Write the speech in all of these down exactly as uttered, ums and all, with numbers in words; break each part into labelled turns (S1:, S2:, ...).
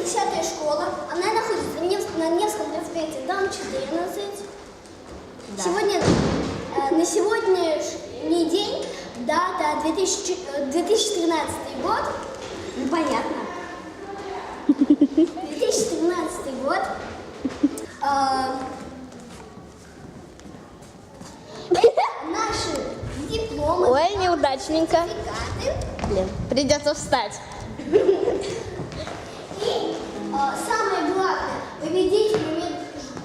S1: десятая школа. Она находится на Невском, на Невском проспекте, дом четырнадцать. Да. Сегодня, э, на сегодняшний день дата две тысячи тринадцатый год. Ну, понятно. две тысячи тринадцатый год. Э, это наши дипломы.
S2: Ой, неудачненько. Блин, придется встать.
S1: И э, самое главное, победитель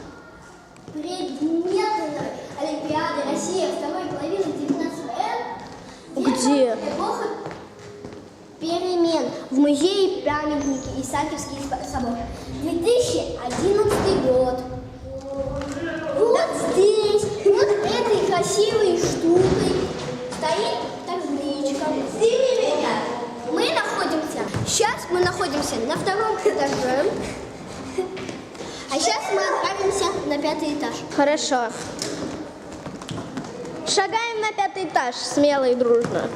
S1: предметной Олимпиады России второй половины девятнадцатого века.
S2: Где?
S1: Эпоха перемен в музее памятники Исаакиевский собор. две тысячи одиннадцатый год. Вот здесь, вот этой красивой штукой стоит табличка. Мы находимся, сейчас мы находимся на втором этаже, а сейчас мы отправимся на пятый этаж.
S2: Хорошо. Шагаем на пятый этаж, смело и дружно.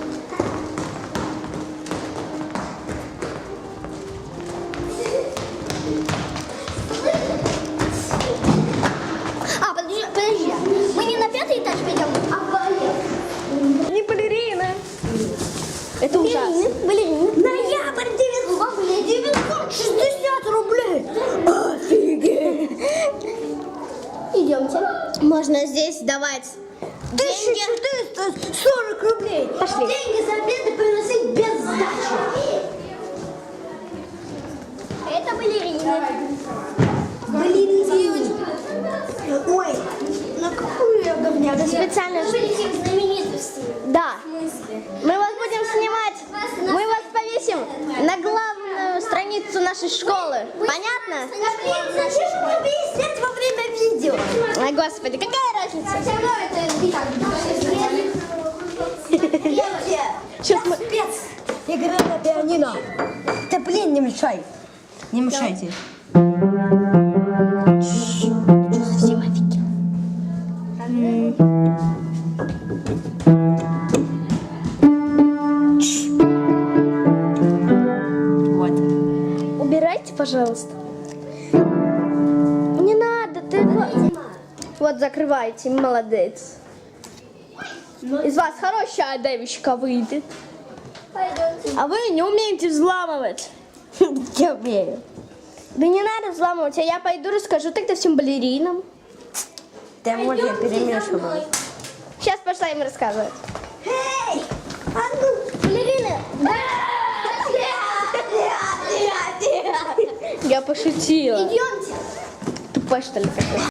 S1: А, подожди, подожди, мы не на пятый этаж пойдем, а в балет.
S2: Не балерина. Это ужасно.
S1: Балерины. Ноябрь девятьсот шестьдесят рублей. Офигеть. Идемте.
S2: Можно здесь давать
S1: тысяча четыреста сорок рублей.
S2: Пошли.
S1: Деньги за обеды приносить без сдачи. Это балерина. Балерина. Ой, ну какую я говняк.
S2: Это специально.
S1: Вы будете знаменитостью.
S2: Да.
S1: В смысле?
S2: Мы вас будем снимать. Мы вас повесим на главную страницу нашей школы. Понятно?
S1: Да блин, зачем же мне объяснять во время видео?
S2: Ой, господи, какая разница?
S1: Все равно это не так.
S2: Сейчас мы...
S3: Спец! Игра на пианино. Да блин, не мешай. Не мешайте.
S2: Что совсем офигел?
S3: Вот.
S2: Убирайте, пожалуйста. Не надо, ты... Вот, закрывайте, молодец. Из вас хорошая девочка выйдет.
S1: Пойдемте.
S2: А вы не умеете взламывать.
S3: Я умею.
S2: Да не надо взламывать, а я пойду расскажу тогда всем балеринам.
S3: Да вот я перемешиваю.
S2: Сейчас пошла им рассказывать.
S1: Эй! А ну, балерины!
S2: Я пошутила.
S1: Идемте.
S2: Тупой, что ли, какой?